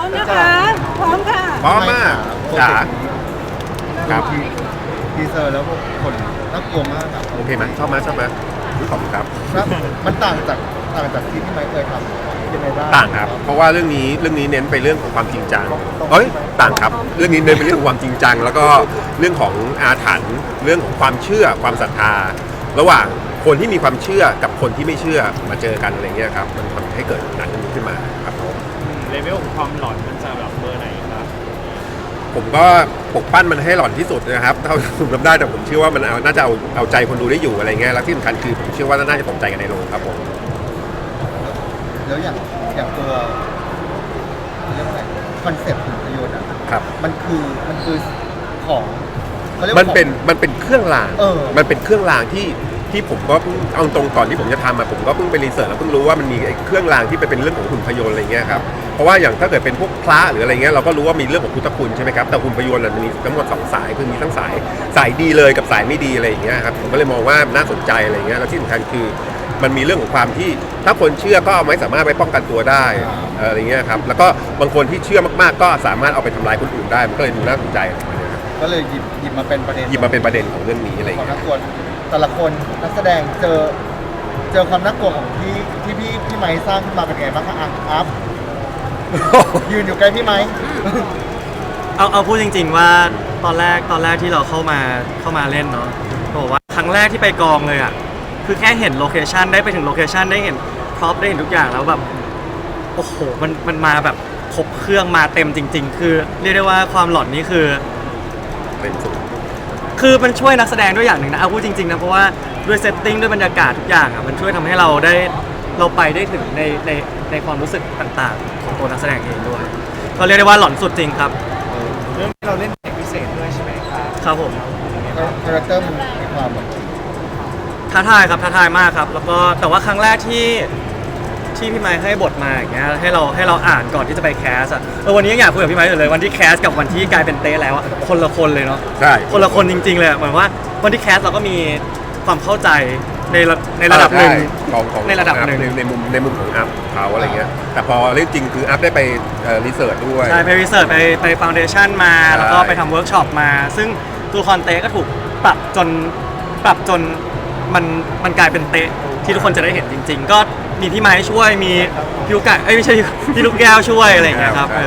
มนะคะพร้อมค่ะพร้อมมากจ๋าครับทีเซอร์แล้วคนน่ากลัวมากครับโอเคไหมชอบไหมขอบคุณครับครับมันต่างจากที่พี่ไมค์เคยทำยังไงบ้างต่างครับเพราะว่าเรื่องนี้เน้นไปเรื่องของความจริงจังต่างครับเรื่องนี้เน้นไปเรื่องของความจริงจังแล้วก็เรื่องของอาถรรพ์เรื่องของความเชื่อความศรัทธาระหว่างคนที่มีความเชื่อกับคนที่ไม่เชื่อมาเจอกันอะไรเงี้ยครับมันทำให้เกิดหนังเรื่องนี้ขึ้นมาครับผมเลเวลของความหลอนมันจะแบบเบอร์ไหนครับผมก็ปลุกปั้นมันให้หล่อนที่สุดนะครับเท่าที่ผมทำได้แต่ผมเชื่อว่ามันน่าจะเอาใจคนดูได้อยู่อะไรเงี้ยแล้วที่สำคัญคือผมเชื่อว่าน่าจะตกใจกันในโรงครับผมแล้วอย่างตัวเรียกว่าอะไรคอนเซ็ปต์หุ่นพยนต์อ่ะครับมันคือของเขาเรียกมัว่านเป็นเครื่องรางมันเป็นเครื่องรางที่ผมก็เอาตรงก่อนที่ผมจะทำมาผมก็เพิ่งไปรีเสิร์ชแล้วเพิ่งรู้ว่ามันมีเครื่องรางที่เป็นเรื่องของหุ่นพยนต์อะไรเงี้ยครับเพราะว่าอย่างถ้าเกิดเป็นพวกพระหรืออะไรเงี้ยเราก็รู้ว่ามีเรื่องของพุทธคุณใช่ไหมครับแต่หุ่นพยนต์มันมีทั้งหมด2สายคือมีทั้งสายดีเลยกับสายไม่ดีอะไรอย่างเงี้ยครับผมก็เลยมองว่าน่าสนใจอะไรเงี้ยแล้วที่สำคัญคือมันมีเรื่องของความที่ถ้าคนเชื่อก็ไม่สามารถไปป้องกันตัวได้อะไรเงี้ยครับแล้วก็บางคนที่เชื่อมากๆก็สามารถเอาไปทำลายคนอื่นได้มันก็เลยดูน่าสนใจอะไรเงี้ยครับก็เลยหยิบมาเป็นประเด็นหยิบมาเป็นประเด็นของเรื่องนี้อะไรของเงี้นัยกกวนแต่ละคนนักแสดงเจอความน่ากลัวของพี่ไมค์สร้างขึ้นมาเป็นไงบ้างคะอัพยืนอยู่ใกล้พี่ไมค์เอาพูดจริงๆว่าตอนแรกที่เราเข้ามาเล่นเนาะบอกว่าครั้งแรกที่ไปกองเลยอ่ะคือแค่เห็นโลเคชันได้ไปถึงโลเคชันได้เห็นพร็อพได้เห็นทุกอย่างแล้วแบบโอ้โหมันมาแบบครบเครื่องมาเต็มจริง ๆ คือเรียกได้ว่าความหลอนนี่เป็นสุดคือมันช่วยนักแสดงด้วยอย่างหนึ่งนะเอาพูดจริงๆนะเพราะว่าด้วยเซตติ้งด้วยบรรยากาศทุกอย่างอ่ะมันช่วยทำให้เราไปได้ถึงในความรู้สึกต่างๆของตัวนักแสดงเองด้วยก็เรียกได้ว่าหลอนสุดจริงครับเรื่องที่เราเล่นเด็กพิเศษด้วยใช่ไหมครับครับผมคาแรคเตอร์มันมีความแบบท้าทายครับท้าทายมากครับแล้วก็แต่ว่าครั้งแรกที่พี่ไมค์ให้บทมาอย่างเงี้ยให้เราอ่านก่อนที่จะไปแคสอ่ะวันนี้ยังอยากคุยกับพี่ไมค์อยู่เลยวันที่แคสกับวันที่กลายเป็นเต้แล้วอ่ะคนละคนเลยเนาะใช่คนละคนจริงๆเลยเหมือนว่าวันที่แคสเราก็มีความเข้าใจในระดับหนึ่งของในระดับหนึ่งในมุมของอัพเขาอะไรเงี้ยแต่พอเรื่องจริงคืออัพได้ไปรีเสิร์ชด้วยใช่ไปรีเสิร์ชไปฟาวเดชั่นมาใช่แล้วก็ไปทำเวิร์กช็อปมา ซึ่งตัวละครเต้ก็ถูกปรับจนมันกลายเป็นเต้ที่ทุกคนจะได้เห็นจริง ๆ ก็มีพี่ไม้ช่วยมีพี่ลูกไก่ไม่ใช่พี่ลูกแก้วช่วยอะไรอย่างเงี้ยครับ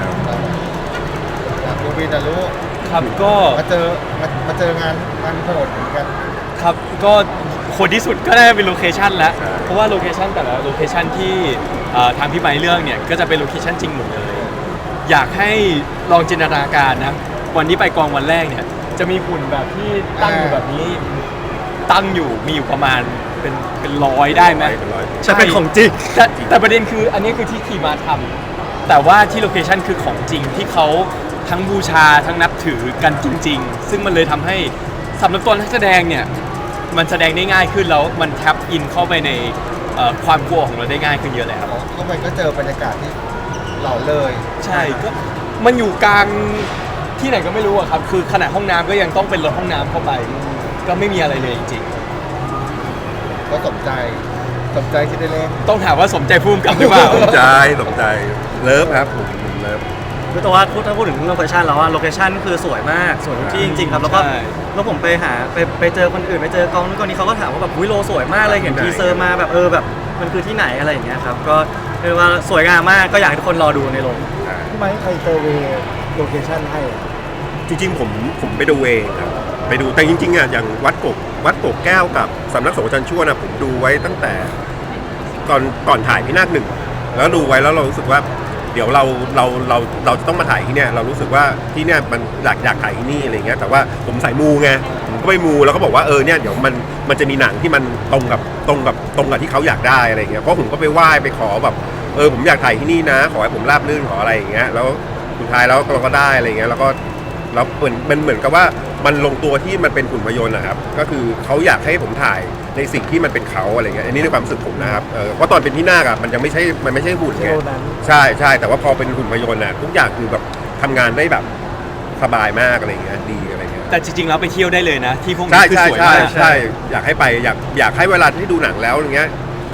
ดูวีแต่รู้ครับก็มาเจองานโหดเหมือนกันครับก็คนที่สุดก็ได้เป็นโลเคชันแล้วเพราะว่าโลเคชันแต่ละโลเคชันที่ทางพี่ไม้เลือกเนี่ยก็จะเป็นโลเคชันจริงหมดเลยอยากให้ลองจินตนาการนะวันที่ไปกองวันแรกเนี่ยจะมีหุ่นแบบที่ตั้งอยู่แบบนี้ตั้งอยู่มีอยู่ประมาณเป็นร้อยได้ไหมเป็นร้อยใช่เป็นของจริงแต่ประเด็นคืออันนี้คือที่ทีมาทำแต่ว่าที่โลเคชันคือของจริงที่เขาทั้งบูชาทั้งนับถือกันจริง ๆ ซึ่งมันเลยทำให้สำหรับตัวนักแสดงเนี่ยมันแสดงได้ง่ายขึ้นแล้วมันแท็บอินเข้าไปในความกลัวของเราได้ง่ายขึ้นเยอะเลยครับเข้าไปก็เจอบรรยากาศที่เหล่าเลยใช่ก็มันอยู่กลางที่ไหนก็ไม่รู้อะครับคือขนาดห้องน้ำก็ยังต้องเป็นรถห้องน้ำเข้าไปก็ไม่มีอะไรเลยจริงก็สนใจที่ได้เล่นๆต้องถามว่าสมใจภูมิกับหรือเปล่าสนใจเลิฟครับผมเลิฟคือแต่ว่าถ้าพูดถึงโลเคชันแล้วว่าโลเคชันคือสวยมากสวยทุกที่จริงๆครับแล้วก็ใช่แล้วผมไปเจอคนอื่นไปเจอกองนู้นกองนี้เขาก็ถามว่าแบบวิโลสวยมากเลยเห็นทีเซอร์มาแบบแบบมันคือที่ไหนอะไรอย่างเงี้ยครับก็เรียกว่าสวยงามมากก็อยากให้ทุกคนรอดูในโรงพี่ไมค์ใครเซอร์เวย์โลเคชั่นให้จริงๆผมไปดูเองครับไปดูแต่จริงๆอ่ะอย่างวัดกกแก้วกับสำนักสงฆ์อาจารย์ชั่วนะผมดูไว้ตั้งแต่ก่อนถ่ายพี่นาคหนึ่งแล้วดูไว้แล้วเรารู้สึกว่าเดี๋ยวเราจะต้องมาถ่ายที่เนี่ยเรารู้สึกว่าที่เนี่ยมันอยากถ่ายที่นี่อะไรเงี้ยแต่ว่าผมสายมูไงผมก็ไปมูแล้วก็บอกว่าเนี่ยเดี๋ยวมันจะมีหนังที่มันตรงกับที่เขาอยากได้อะไรเงี้ยเพราะผมก็ไปไหว้ไปขอแบบผมอยากถ่ายที่นี่นะขอให้ผมราบรื่นขออะไรอย่างเงี้ยแล้วสุดท้ายแล้วเราก็ได้อะไรเงี้ยแล้วมันเหมือนกับว่ามันลงตัวที่มันเป็นหุ่นพยนต์นะครับก็คือเขาอยากให้ผมถ่ายในสิ่งที่มันเป็นเขาอะไรเงี้ยอันนี้ในความรู้สึกผมนะครับเพราะตอนเป็นที่นาคอะมันยังไม่ใช่หุ่นไงใช่แต่ว่าพอเป็นหุ่นพยนต์อะทุกอย่างคือแบบทำงานได้แบบสบายมากอะไรเงี้ยดีอะไรเงี้ยแต่จริงๆแล้วไปเที่ยวได้เลยนะที่พวกนี้คือสวยมากใช่อยากให้ไปอยากให้เวลาที่ดูหนังแล้วอย่างเงี้ย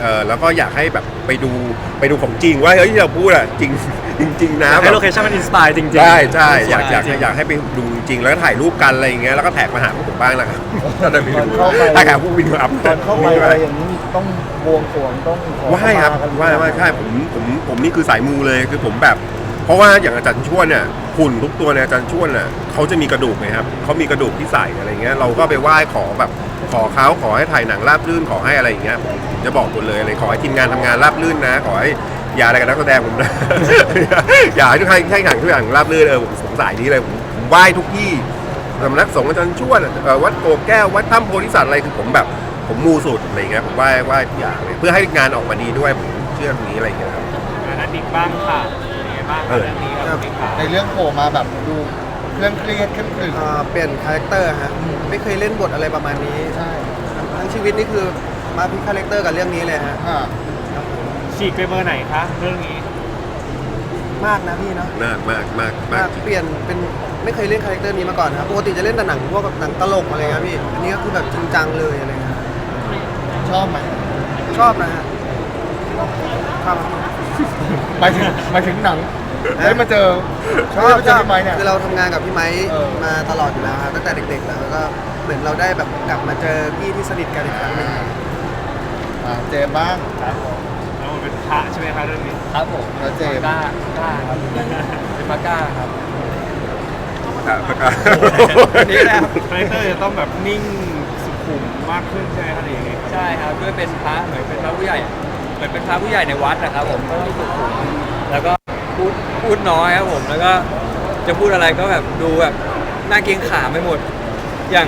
แล้วก็อยากให้แบบไปดูของจริงว่าเฮ้ยที่เราพูดอะจริง จริงๆนะให้แบบโลเคชั่นมันอินสปายจริงๆใช่ใช่สอยากจริงๆอยากให้ไปดูจริงๆแล้วก็ถ่ายรูปกันอะไรอย่างเงี้ยแล้วก็แท็กมาหาพวกผมบ้างนะครับถ้าได้ไปดูเข้าไปถ้าหาพวกวินอัพตอนเข้าไปอะไรอย่างนี้ต้องบวงสรวงต้องขอว่าให้ครับขมกันว่าใช่ผมนี่คือสายมูเลยคือผมแบบ เพราะว่าอย่างอาจารย์ชวนเนี่ยหุ่นทุกตัวเนี่ยอาจารย์ชวนน่ะเขาจะมีกระดูกไงครับเขามีกระดูกที่ใส่อะไรเงี้ยเราก็ไปไหว้ขอแบบขอเขาขอให้ถ่ายหนังราบรื่นขอให้อะไรอย่างเงี้ยผมจะบอกหมดเลยอะไรขอให้ทีมงานทำงานราบรื่นนะ ขอให้อย่าอะไรกับนักแสดงผมนะ อย่าให้ทุกท่านให้หนังทุกอย่างราบรื่นผมสงสัยนี้เลยผมไหว้ทุกที่สำนักสงฆ์อาจารย์ชวนวัดโกแก้ววัดถ้ำโพธิสัตว์อะไรคือผมแบบผมมูสุดอะไรเงี้ยผมไหว้ทุกอย่างเลยเพื่อให้งานออกมาดีด้วยผมเชื่อตรงนี้อะไรเงี้ยครับนัดดิกบ้างค่ะเป็นไงบ้างคะเรื่องนี้กับพี่ขาในเรื่องโผล่มาแบบดูเครื่องเครียดขึ้นขึ้นเปลี่ยนคาแรคเตอร์ฮะไม่เคยเล่นบทอะไรประมาณนี้ใช่ทั้งชีวิตนี่คือมาพลิกคาแรคเตอร์กับเรื่องนี้เลยฮะอ่าฉีกไปเบอร์ไหนคะเรื่องนี้มากนะพี่เนาะมากจริงเปลี่ยนเป็นไม่เคยเล่นคาแรคเตอร์นี้มาก่อนครับปกติจะเล่นแต่หนังพวกแบบหนังตลกอะไรเงี้ยพี่อันนี้ก็คือแบบจริงจังเลยอะไรเงี้ยชอบไหมชอบนะฮะชอบหมายถึงหนังได้มาเจอชอบได้มาเจอพี่ไม้เนี่ยคือเราทำงานกับพี่ไม้เออมาตลอดอยู่แล้วครับตั้งแต่เด็กๆแล้วก็เหมือนเราได้แบบกลับมาเจอพี่ที่สนิทกันอีกครั้งหนึ่งเจมส์บ้างครับผมแล้วมันเป็นพระใช่ไหมคะเรื่องนี้ครับผมแล้วเจมส์กล้ครับเป็นปากล้าครับประกาศนี่แหละคาแรคเตอร์จะต้องแบบนิ่งสุขุมมากขึ้นใช่ไหมคะหรือยังไงครับใช่ครับด้วยเป็นพระเหมือนเป็นพระผู้ใหญ่เหมือนเป็นพระผู้ใหญ่ในวัดนะครับผมก็ต้องสุขุมแล้วก็พูดน้อยครับผมแล้วก็จะพูดอะไรก็แบบดูแบบน่าเกรงขามไปหมดอย่าง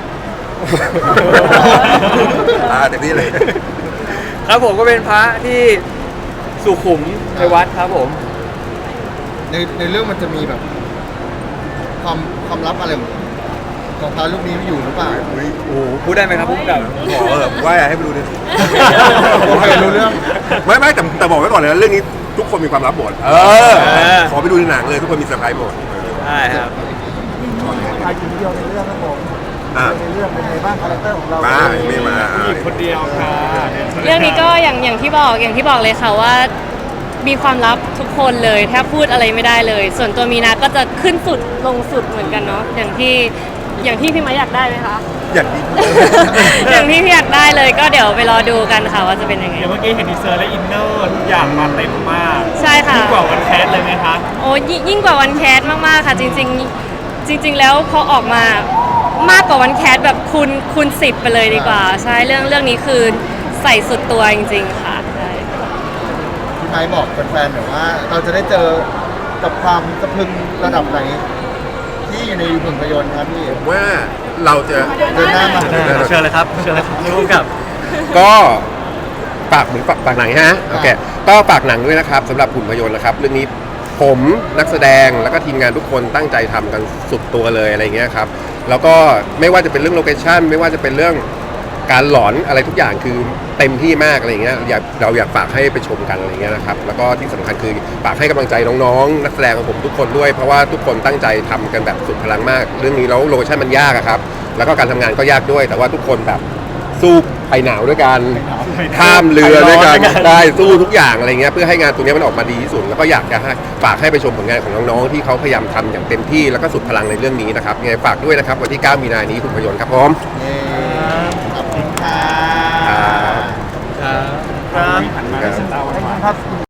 เต็มที่เลยครับผมก็เป็นพระที่สุขุมในวัดครับผมในเรื่องมันจะมีแบบ ความลับอะไรของพระรูปนี้ไม่อยู่หรือเปล่าโอ้โหพูดได้ไหมครับพูดกับขอว่าให้ไปดูดิโอเครู้เรื่องไม่แต่บอกไว้ก่อนเลยนะเรื่องนี้ทุกคนมีความลับหมดขอไปดูในหนังเลยทุกคนมีเซอร์ไพรส์หมดใช่ครับชายหญิงเดียวในเรื่องครับผมอ่ะในเรื่องเป็นไงบ้างคาแรคเตอร์ของเรามาไม่มาผู้หญิงคนเดียวค่ะเรื่องนี้ก็อย่างที่บอกเลยค่ะว่ามีความลับทุกคนเลยแทบพูดอะไรไม่ได้เลย ส่วนตัวมีนาก็จะขึ้นสุดลงสุดเหมือนกันเนาะอย่างที่พี่ไม้อยากได้ไหมคะอย่างนี้อย่างที่พี่อยากได้เลยก็เดี๋ยวไปรอดูกันค่ะว่าจะเป็นยังไงเดี๋ยวเมื่อกี้เห็นดีเซอร์และอินเนอร์ทุกอย่างมาเต็มมากใช่ค่ะยิ่งกว่าวันแคสเลยไหมคะโอ้ยิ่งกว่าวันแคสมากๆค่ะจริง ๆ แล้วพอออกมามากกว่าวันแคสแบบคูณ10ไปเลยดีกว่า ใช่เรื่องนี้คือใส่สุดตัวจริงๆค่ะใช่พี่ไม้บอกแฟนๆหน่อยว่า เราจะได้เจอกับความสะพรึงระดับไหน ที่อยู่ในผลยนตร์ครับพี่ว่าเราจะเดินหน้ามาเชิญเลยครับเชิญเลยครับร่วมกับก็ฝากหนังฮะโอเคก็ฝากหนังด้วยนะครับสำหรับหุ่นพยนต์นะครับเรื่องนี้ผมนักแสดงแล้วก็ทีมงานทุกคนตั้งใจทำกันสุดตัวเลยอะไรเงี้ยครับแล้วก็ไม่ว่าจะเป็นเรื่องโลเคชั่นไม่ว่าจะเป็นเรื่องการหลอนอะไรทุกอย่างคือเต็มที่มากอะไรเงี้ยเราอยากฝากให้ไปชมกันอะไรเงี้ยนะครับแล้วก็ที่สำคัญคือฝากให้กำลังใจน้องๆนักแสดงของผมทุกคนด้วยเพราะว่าทุกคนตั้งใจทำกันแบบสุดพลังมาก เรื่องนี้แล้วโลเคชั่นมันยากอะครับแล้วก็การทำงานก็ยากด้วย แต่ว่าทุกคนแบบสู้ไปหนาวด้วยกันข้ามเรือด้วยกันได้สู้ทุกอย่างอะไรเงี้ยเพื่อให้งานตัวนี้มันออกมาดีที่สุดแล้วก็อยากจะให้ฝากให้ไปชมผลงานของน้องๆที่เขาพยายามทำอย่างเต็มที่แล้วก็สุดพลังในเรื่องนี้นะครับยังไงฝากด้วยนะครับวันที่ 9 มีนาคมนี้คุณพยนต์ครับผมขอบคุณค่ะครับครับหันมาให้ฉันเล่าขอบคุณครับ